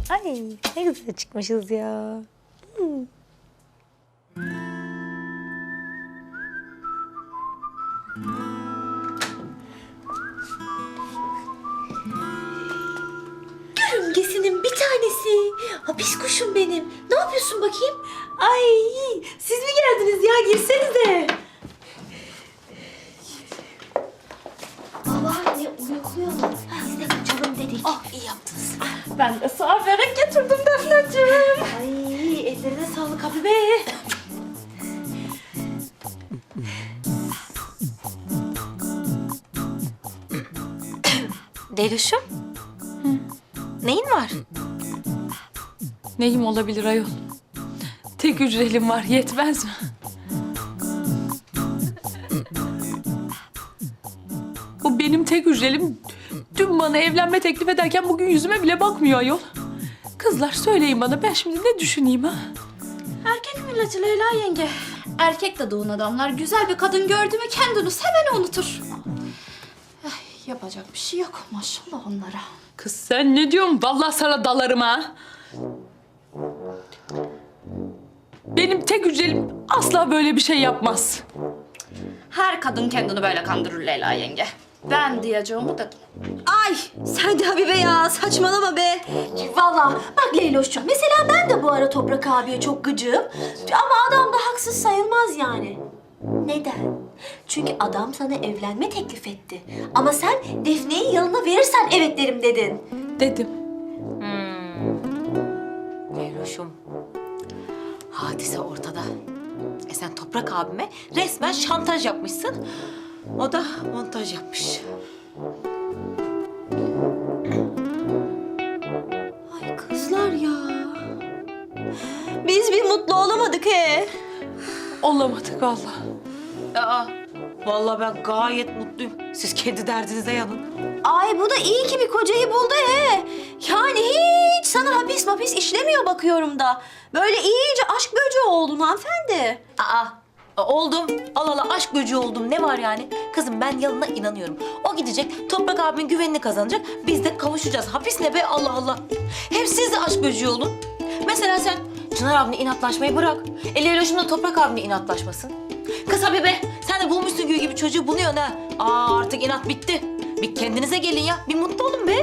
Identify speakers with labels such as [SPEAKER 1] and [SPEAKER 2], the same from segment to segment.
[SPEAKER 1] Ay ne güzel çıkmışız ya.
[SPEAKER 2] Yörüngesinin bir tanesi. Hapis kuşum benim. Ne yapıyorsun bakayım?
[SPEAKER 1] Ay siz mi geldiniz ya? Girsenize.
[SPEAKER 2] Babaanne uyukluyorlar. Biz de kaçalım dedik.
[SPEAKER 1] Ah iyi yaptınız. Ben de sana börek getirdim Defneciğim.
[SPEAKER 2] Ay ellerine sağlık Habibe.
[SPEAKER 1] Deluşum. Neyin var?
[SPEAKER 3] Neyim olabilir ayol? Tek hücrelim var, yetmez mi? Bu benim tek hücrelim. Dün bana evlenme teklif ederken bugün yüzüme bile bakmıyor ayol. Kızlar söyleyin bana, ben şimdi ne düşüneyim ha?
[SPEAKER 2] Erkek milleti Leyla yenge. Erkek de doğun adamlar güzel bir kadın gördü mü kendini hemen unutur. Yapacak bir şey yok maşallah onlara.
[SPEAKER 3] Kız sen ne diyorsun? Vallahi sana dalarım ha. Benim tek hücrelim asla böyle bir şey yapmaz.
[SPEAKER 2] Her kadın kendini böyle kandırır Leyla yenge. Ben diyeceğimi dedim.
[SPEAKER 4] Ay sen de Habibe ya saçmalama be. Vallahi bak Leyloş'cum mesela ben de bu ara Toprak abiye çok gıcığım. Ama adam da haksız sayılmaz yani. Neden? Çünkü adam sana evlenme teklif etti. Ama sen Defne'yi yanına verirsen evet derim dedin.
[SPEAKER 3] Dedim.
[SPEAKER 1] Leyloşum. Hadise ortada. Sen Toprak abime resmen şantaj yapmışsın. O da montaj yapmış.
[SPEAKER 4] Ay kızlar ya. Biz bir mutlu olamadık he.
[SPEAKER 3] Olamadık vallahi.
[SPEAKER 1] Aa, vallahi ben gayet mutluyum. Siz kendi derdinize yanın.
[SPEAKER 4] Ay bu da iyi ki bir kocayı buldu he. Yani hiç sana hapis işlemiyor bakıyorum da. Böyle iyice aşk böceği oldun hanımefendi.
[SPEAKER 1] Oldum. Allah Allah aşk böceği oldum. Ne var yani? Kızım ben Yalın'a inanıyorum. O gidecek, Toprak abimin güvenini kazanacak. Biz de kavuşacağız. Hapis ne be Allah Allah. Hem siz de aşk böceği olun. Mesela sen Çınar abine inatlaşmayı bırak. Leyloş'un da Toprak abine inatlaşmasın. Kız Habibe sen de bulmuşsun gül gibi çocuğu buluyorsun ha. Artık inat bitti. Bir kendinize gelin ya. Bir mutlu olun be.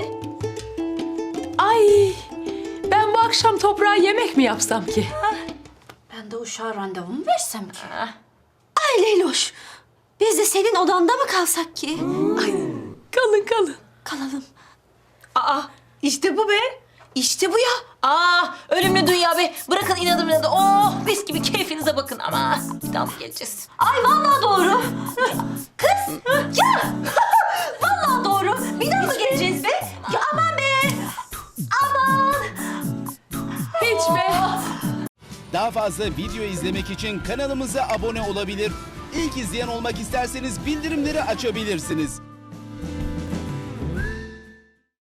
[SPEAKER 3] Ay, ben bu akşam toprağa yemek mi yapsam ki?
[SPEAKER 2] Ben de uşağa randevumu versem ki.
[SPEAKER 4] Ay Leyloş. Biz de senin odanda mı kalsak ki?
[SPEAKER 3] Kalın kalın.
[SPEAKER 4] Kalalım.
[SPEAKER 1] İşte bu be. İşte bu ya. Ölümlü dünya be. Bırakın inadım inadı. Oh mis gibi keyfinize bakın ama. Bir daha mı geleceğiz?
[SPEAKER 4] Ay vallahi doğru. Kız ya. Vallahi doğru. Bir daha mı geleceğiz be? Ya aman be. Aman.
[SPEAKER 3] Hiç be.
[SPEAKER 5] Daha fazla video izlemek için kanalımıza abone olabilir. İlk izleyen olmak isterseniz bildirimleri açabilirsiniz.